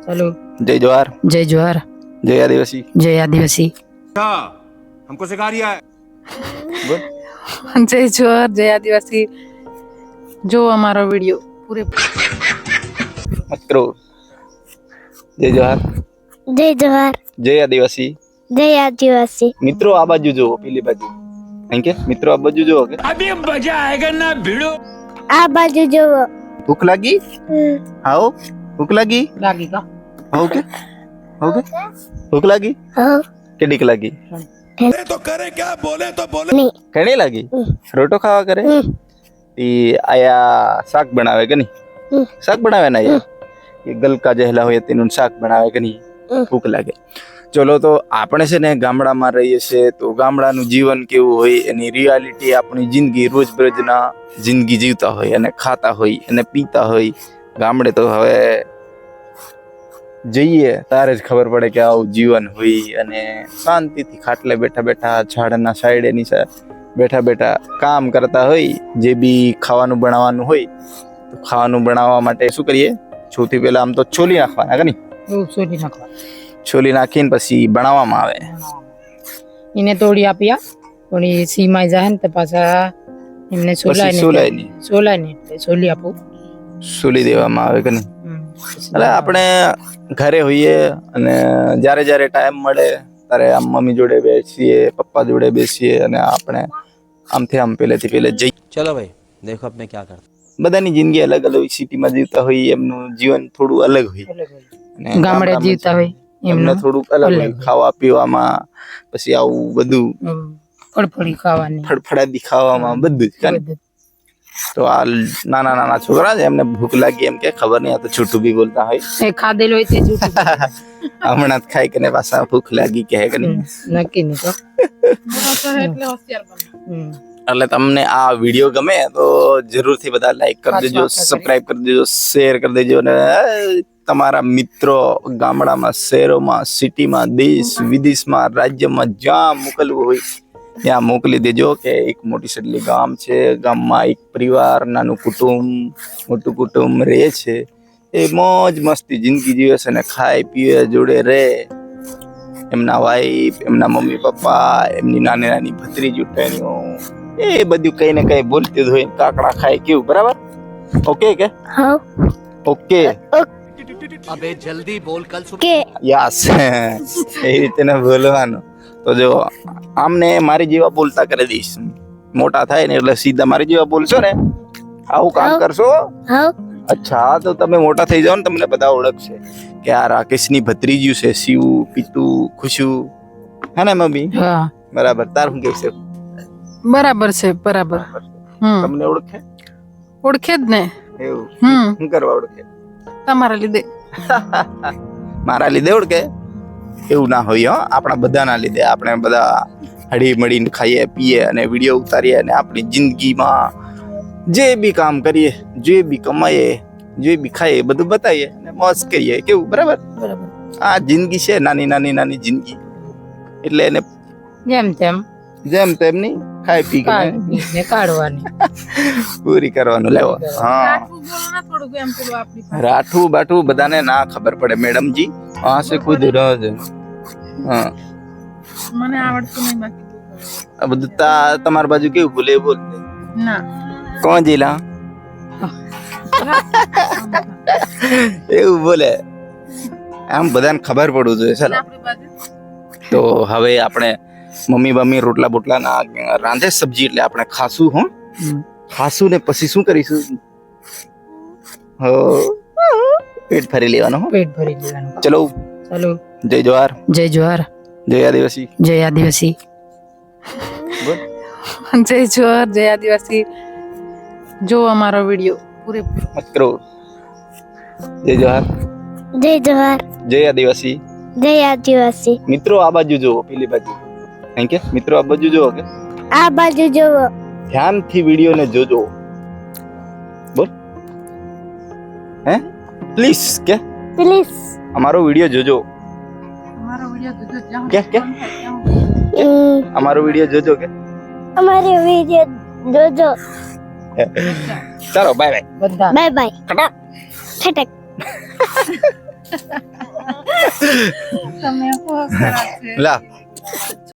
Hello. जय जोहार, जय जोहार, जय आदिवासी। जय आदिवासी। हमको सिखा रिया है। बोल। जय जोहार, जय आदिवासी। जो हमारा वीडियो पूरे मत करो। जय जोहार, जय जोहार, जय आदिवासी। जय आदिवासी। મિત્રો આ બાજુ જો, પેલી બાજુ. અહીં કે મિત્રો આ બાજુ જો કે अभी मजा आएगा ना भिड़ो। आ बाजू जोવો। ભૂખ લાગી? આવો ભૂખ લાગી? लागेगा। ઓકે ઓકે ભૂખ લાગી? हो કેટલીક લાગી? तो करे क्या बोले तो बोले। नहीं ઘણી લાગી? રોટો ખાવા કરે? ઈ આયા શાક બનાવે કે નહીં? શાક બનાવે ને આયા? એ ગલકા જેહલા હોય તેનું શાક બનાવે કે નહીં? ભૂખ લાગે. ચલો તો આપણે છે ને ગામડામાં રહીએ છીએ તો ગામડાનું જીવન કેવું હોય એની રિયાલિટી આપણી જિંદગી રોજબરોજના જિંદગી જીવતા હોય અને ખાતા હોય અને પીતા હોય. ગામડે તો હવે જઈએ તારે જ ખબર પડે કે આવું જીવન હોય અને શાંતિથી ખાટલે બેઠા બેઠા ઝાડના સાઈડે નીચે બેઠા બેઠા કામ કરતા હોય. જે બી ખાવાનું બનાવવાનું હોય તો ખાવાનું બનાવવા માટે શું કરીએ? સૌથી પહેલા આમ તો છોલી નાખવાના કે નહીં? वो सोली नाखवा। છોલી નાખીને પછી બનાવવામાં આવે. इने तोड़ी आपिया थोड़ी सीमाई जाहन त पाछा इमने सोलाय પછી સોલાય નહીં, ने એટલે સોલી આપો। સોલી દેવામાં આવે કે નહીં? એટલે આપણે ઘરે હોઈએ અને જ્યારે જ્યારે ટાઈમ મળે ત્યારે આમ મમ્મી જોડે બેસીએ, પપ્પા જોડે બેસીએ અને આપણે આમથી આમ પહેલેથી પહેલે જઈ. चलो भाई देखो अब मैं क्या करता બધાની જિંદગી અલગ અલગ હોય. સિટીમાં જીવતા હોય એમનું જીવન થોડું અલગ હોય અને ગામડે ગામડામાં જીવતા હોય એમને એમનું થોડુંક અલગ હોય. અલગ. ખાવા પીવામાં પછી આવું બધું ફળફળી ખાવાની ફળફળાદી ખાવામાં બધું જ કાંઈ. બધું. તો આ નાના નાના છોકરા છે એમને ભૂખ લાગી એમ કે ખબર નહીં, આ તો છૂટું બી બોલતા હોય. એ ખાધેલો હોય તે જૂઠું બોલે. હમણાં જ ખાઈ કે પાછા ભૂખ લાગી કહે કે નહીં. નક્કી નહીં તો એટલે તમને આ વિડીયો ગમે તો જરૂરથી બધા લાઈક કરી દેજો, સબસ્ક્રાઇબ કરી દેજો, શેર કરી દેજો અને તમારા મિત્રો ગામડામાં, શહેરોમાં, સિટીમાં, દેશ વિદેશમાં, રાજ્યમાં જ્યાં મોકલવું હોય ત્યાં મોકલી દેજો. કે એક મોટી સડલી ગામ છે, ગામમાં એક પરિવાર, નાનું કુટુંબ, મોટું કુટુંબ રહે છે. એ મોજ મસ્તી જિંદગી જીવે છે અને ખાય પીવે જોડે રહે. એમના વાઈફ, એમના મમ્મી પપ્પા, એમની નાની નાની ભત્રીજી ઉઠાણીઓ એ બધું કઈ ને કઈ બોલતી જ હોય. કાકડા ખાય કેવું, બરાબર? ઓકે કે हो ઓકે अबे जल्दी बोल कल सुबह के યસ એ રીતે ને બોલવાનું. તો જો આમને મારી જેવા બોલતા કરી દઈશ. મોટા થાય ને એટલે સીધા મારી જેવા બોલશો ને, આવું કામ કરશો. हो અચ્છા તો તમે મોટા થઈ જાઓ ને તમને બધા ઓળખશે કે આ રાકેશની ભત્રીજી છે, શિવ, પીતુ, ખુશુ. હે ને મમ્મી? હા બરાબર. તાર શું કેવું છે? બરાબર છે બરાબર. તમને ઓળખે? ઓળખે જ ને. એવું હમ શું કરવા ઓળખે? તમારા લીધે. મારા લીધે ઓળખે? એવું ના હોય હો. આપણા બધાના લીધે. આપણે બધા હળી મળીને ખાઈએ પીએ અને વિડીયો ઉતારીએ અને આપણી જિંદગીમાં જે બી કામ કરીએ, જે બી કમાઈએ, જે બી ખાઈએ બધું બતાવીએ અને મોજ કરીએ. કેવું, બરાબર? બરાબર. આ જિંદગી છે, નાની નાની નાની જિંદગી. એટલે એને જેમ તેમ જેમ તેમની ખાઈ પી કે કાઢીને કાઢવાની. પૂરી કરવાનું. લેવો. હા, રાઠું બાઠું બધાને ના ખબર પડે મેડમજી. હા સે ખુદ રાજ. હા, મને આવડતું નહીં બાકી. આ બધું તમારી બાજુ કેવું બોલે એ બોલ. ના કોણ જીલા એવું બોલે? આમ બધાને ખબર પડવું જોઈએ. ચાલો તો હવે આપણે મમ્મી બમ્મી રોટલા બોટલા ના રાંધે સબ્જી એટલે આપણે ખાશું. હો ખાશું ને પછી શું કરીશું? હો પેટ ભરી લેવાનું. હો પેટ ભરી લેવાનું. ચલો. ચાલો. જય જોહાર, જય જોહાર, જય આદિવાસી. જય આદિવાસી. બોલ. જય જોહાર, જય આદિવાસી. જો અમારો વિડીયો પૂરેપૂરો મત કરો. જય જોહાર, जय जोहार, જય આદિવાસી. जय आदिवासी। મિત્રો આ બાજુ જુઓ, પેલી બાજુ. અહીં કે મિત્રો આ બાજુ જુઓ કે आ बाजू जोવો। ધ્યાનથી વિડીયોને જોજો. બોલ. હે પ્લીઝ કે प्लीज અમારો વિડીયો જોજો. અમારો વિડીયો કે અમારો વિડીયો જોજો કે हमारे वीडियो जोजो। ચાલો બાય બાય. બધા बाय बाय। खटक। તમે બહુ ખરાબ છે. લા